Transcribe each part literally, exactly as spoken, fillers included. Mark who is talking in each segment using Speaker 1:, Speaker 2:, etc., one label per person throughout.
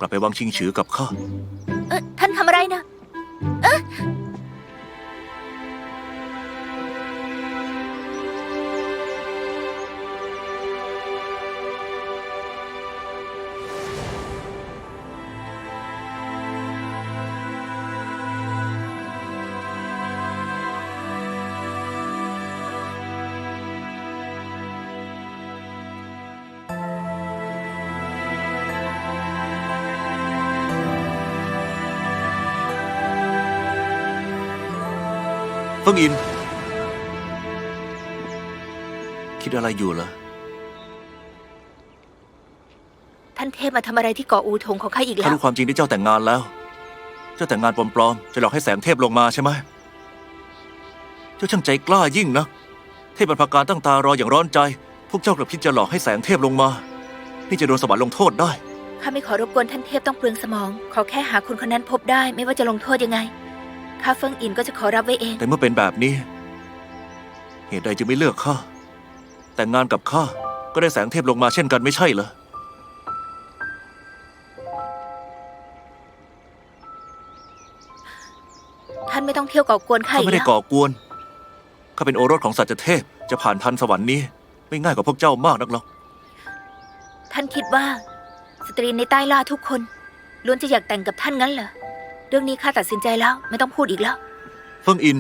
Speaker 1: ลับไปวังชิงฉือกับข้า
Speaker 2: เออท่านทำอะไรนะเอะ
Speaker 1: เฟิงอินคิดอะไรอยู่ล่ะ
Speaker 2: ท่านเทพมาทำอะไรที่เกาะอูทงของข้าอีกแล้
Speaker 1: ข้าว รู้ความจริงที่เจ้าแต่งงานแล้ว เจ้าแต่งงานปลอมๆจะหลอกให้แสงเทพลงมาใช่ไหมเจ้าช่างใจกล้ายิ่งนะเทพบรรพการตั้งตารออย่างร้อนใจพวกเจ้ากลับคิดจะหลอกให้แสงเทพลงมานี่จะโดนสวรรค์ลงโทษได้
Speaker 2: ข้าไม่ขอรบกวนท่านเทพต้องเปลืองสมองขอแค่หาคนคนนั้นพบได้ไม่ว่าจะลงโทษยังไงข้าเฟิงอินก็จะขอรับไว้เอง
Speaker 1: แต่เมื่อเป็นแบบนี้เหตุใดจึงไม่เลือกข้าแต่งงานกับข้าก็ได้แสงเทพลงมาเช่นกันไม่ใช่เหรอ
Speaker 2: ท่านไม่ต้องเที่ยวก่อกวนข้า
Speaker 1: ข้า
Speaker 2: อีก
Speaker 1: ไม่ได้
Speaker 2: แล้ว
Speaker 1: ก่อกวนข้าเป็นโอรสของสัจเทพจะผ่านทันสวรรค์นี้ไม่ง่ายกว่าพวกเจ้ามากนักหรอก
Speaker 2: ท่านคิดว่าสตรีในใต้ล่าทุกคนล้วนจะอยากแต่งกับท่านงั้นเหรอเรื่องนี้ข้าตัดสินใจแล้วไม่ต้องพูดอีกแล้ว
Speaker 1: เฟิงอิน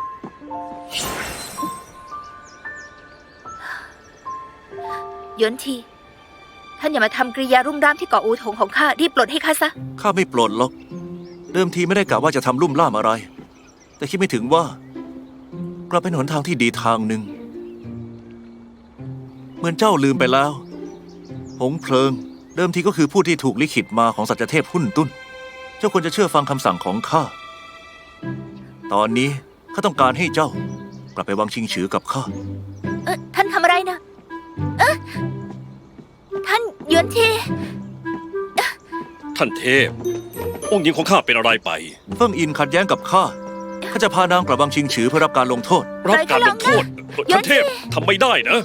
Speaker 2: หยวนทีท่านอย่ามาทำกริยารุ่มร่ามที่เกาะอูทงของข้ารีบปลดให้ข้าซะ
Speaker 1: ข้าไม่ปลดหรอกเดิมทีไม่ได้กะว่าจะทำลุ่มล่ามอะไรแต่คิดไม่ถึงว่ากลับเป็นหนทางที่ดีทางหนึ่งเหมือนเจ้าลืมไปแล้วหงเพลิงเดิมทีก็คือผู้ที่ถูกลิขิตมาของสัจเทพหุ่นตุ้นเจ้าควรจะเชื่อฟังคำสั่งของข้าตอนนี้ข้าต้องการให้เจ้ากลับไปวังชิงฉือกับข้า
Speaker 2: เออท่านทำอะไรนะเออท่านหยวนที
Speaker 3: ท่านเทพองค์หญิงของข้าเป็นอะไรไป
Speaker 1: เฟิงอินขัดแย้งกับข้าข้าจะพานางกลับวังชิงฉือเพื่อรับการลงโทษ
Speaker 3: รับการลงโทษท่านเทพทำไม่ได้นะ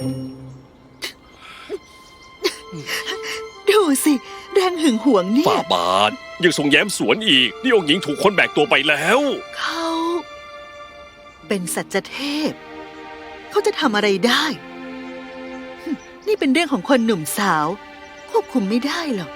Speaker 4: ดูสิแรงหึงหวงเนี่ย
Speaker 3: ฝ่าบาทยังทรงแย้มสวนอีกนี่องค์หญิงถูกคนแบกตัวไปแล้ว
Speaker 4: เขาเป็นสัจเทพเขาจะทำอะไรได้นี่เป็นเรื่องของคนหนุ่มสาวควบคุมไม่ได้หรอก